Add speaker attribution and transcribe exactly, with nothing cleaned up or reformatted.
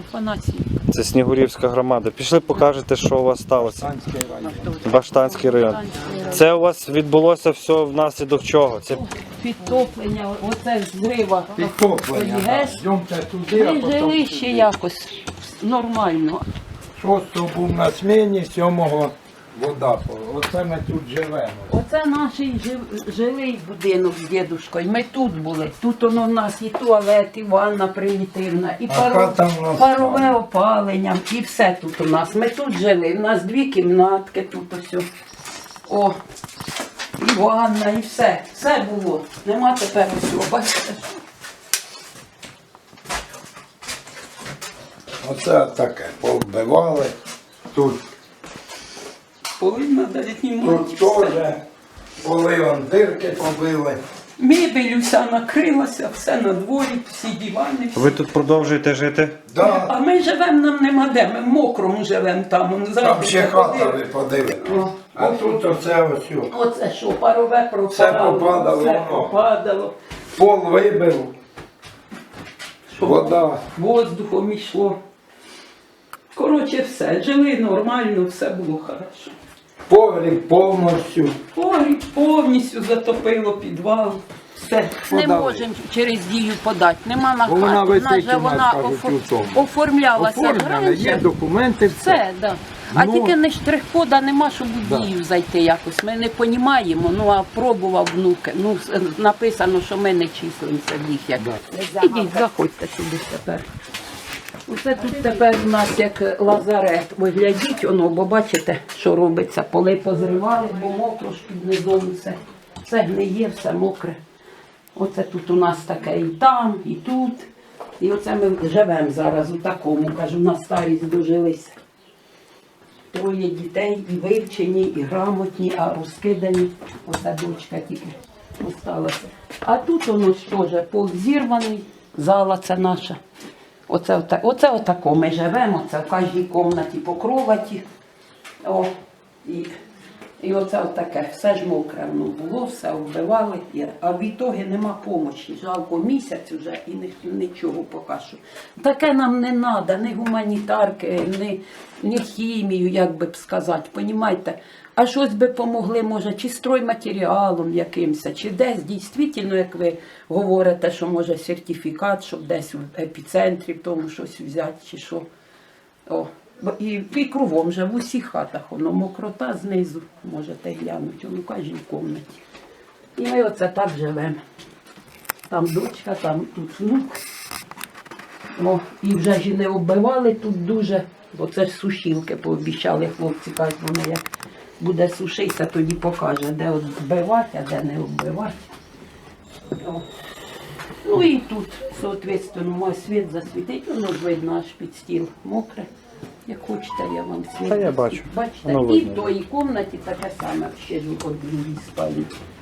Speaker 1: Афанасіївка.
Speaker 2: Це Снігурівська громада. Пішли, покажете, що у вас сталося. Баштанський район. Це у вас відбулося все внаслідок чого? Це
Speaker 1: Підтоплення, оце зрива.
Speaker 3: Підтоплення, так. Йдемте туди, а
Speaker 1: Ми
Speaker 3: потім
Speaker 1: жили ще якось нормально.
Speaker 3: шостого був на сміні, сьомого вода. Оце ми тут живемо.
Speaker 1: Оце наш жив- жилий будинок з дідушкою. Ми тут були. Тут воно в нас і туалет, і ванна примітивна, і
Speaker 3: А
Speaker 1: паро-
Speaker 3: хата в нас
Speaker 1: парове
Speaker 3: там.
Speaker 1: опалення, і все тут у нас. Ми тут жили. У нас дві кімнатки тут ось. О, і ванна, і все. Все було. Нема тепер усього. Бачите?
Speaker 3: Оце таке, повбивали. Тут,
Speaker 1: Повинна дати
Speaker 3: тут теж поли, вон дирки побили.
Speaker 1: Мебель уся накрилася, все на дворі, всі дивани. Всі.
Speaker 2: ви тут продовжуєте жити?
Speaker 3: Да,
Speaker 1: А ми живемо, нам нема де, ми в мокрому живемо там. он
Speaker 3: там
Speaker 1: зранку
Speaker 3: ще хата,
Speaker 1: ходили.
Speaker 3: ви подивитесь.
Speaker 1: О.
Speaker 3: А тут оце ось. о.
Speaker 1: Оце що, парове пропадало,
Speaker 3: Все попадало,
Speaker 1: все
Speaker 3: воно.
Speaker 1: попадало,
Speaker 3: Пол вибив,
Speaker 1: що
Speaker 3: вода.
Speaker 1: воздухом йшло. Коротше, все, жили нормально, все було хорошо.
Speaker 3: Погріб повністю.
Speaker 1: Погріб повністю затопило підвал. Все. Не
Speaker 3: Подали.
Speaker 1: можемо через дію подати, нема на
Speaker 3: Бо вона
Speaker 1: хату.
Speaker 3: висить
Speaker 1: Наша
Speaker 3: у нас,
Speaker 1: вона
Speaker 3: кажуть,
Speaker 1: офор-
Speaker 3: у цьому.
Speaker 1: оформлялася
Speaker 3: Оформлено,
Speaker 1: раніше.
Speaker 3: є документи, все.
Speaker 1: Все, да. А
Speaker 3: Ну,
Speaker 1: тільки не штрих-кода нема, щоб у
Speaker 3: да.
Speaker 1: дію зайти якось. Ми не розуміємо, ну а пробував внуки. Ну, с- написано, що ми не числимося в їх. Як. Ідіть, заходьте сюди тепер. Оце тут тепер у нас як лазарет. Ви глядіть, воно, бо бачите, що робиться. Поли позривали, бо мокро ж під низом все. Все гниє, все мокре. Оце тут у нас таке і там, і тут. І оце ми живемо зараз у такому, кажу, на старість дожилися. Троє дітей, і вивчені, і грамотні, а розкидані. Оця дочка тільки осталася. А тут воно ж теж пол зірваний, зала це наша. Оце, оце, оце отако ми живемо, це в кожній кімнаті по кроваті. О, і, і оце отаке, все ж мокре воно було, все вбивали, і- а в ітогі нема помочі. Жалко місяць вже і ні- нічого поки що. Таке нам не треба, ні гуманітарки, ні, ні хімію, як би б сказати, понімаєте? А щось би помогли, може, чи стройматеріалом якимось, чи десь дійсно, як ви говорите, що може сертифікат, щоб десь в епіцентрі в тому щось взяти, чи що. О, бо і, і кругом же в усіх хатах воно мокрота знизу, можете глянути, воно в кожній кімнаті. І ми оце так живемо. Там дочка, там тут внук. О, і вже ж і не оббивали тут дуже, бо це ж сушілки пообіцяли хлопці, кажуть, вони як буде сушитися, тоді покаже, де от вбивати, а де не вбивати. О. Ну і тут, соответственно, має світ засвітить, воно ж видно аж під стіл мокре. Як хочете, я вам світ.
Speaker 2: Та я бачу.
Speaker 1: Бачите,
Speaker 2: Воно
Speaker 1: і
Speaker 2: видно.
Speaker 1: в тої кімнаті таке саме, ще ж от в другій спальні.